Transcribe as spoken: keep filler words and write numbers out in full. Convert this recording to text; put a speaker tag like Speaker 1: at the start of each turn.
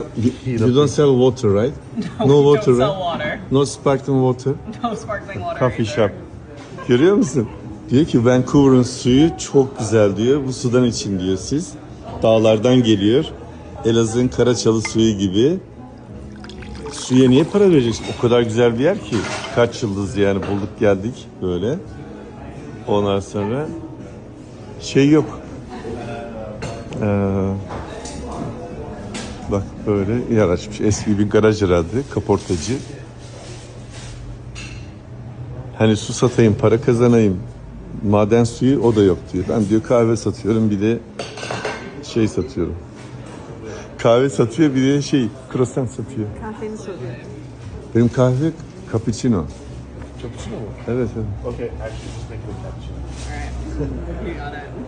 Speaker 1: You don't sell water, right?
Speaker 2: No,
Speaker 1: No
Speaker 2: we
Speaker 1: water,
Speaker 2: don't sell
Speaker 1: right?
Speaker 2: water.
Speaker 1: No sparkling water.
Speaker 2: No sparkling water.
Speaker 1: Coffee
Speaker 2: either.
Speaker 1: shop. Görüyor musun? Diyor ki Vancouver'ın suyu çok güzel diyor. Bu sudan için diyor siz. Dağlardan geliyor. Elazığ'ın Karaçalı suyu gibi. Suya niye para vereceksin? O kadar güzel bir yer ki. Kaç yıldız yani bulduk geldik böyle. Ondan sonra şey yok. Ee, bak böyle yer açmış. Eski bir garaj herhalde. Kaportacı. Hani su satayım, para kazanayım. Maden suyu o da yok diyor. Ben diyor kahve satıyorum, bir de şey satıyorum. Kahve satıyor, bir de şey croissant satıyor.
Speaker 3: Kahveni soruyor.
Speaker 1: Benim kahve cappuccino.
Speaker 4: Cappuccino mu?
Speaker 1: Evet, evet.
Speaker 4: Okay, actually just make it a cappuccino.
Speaker 2: Alright. You got it.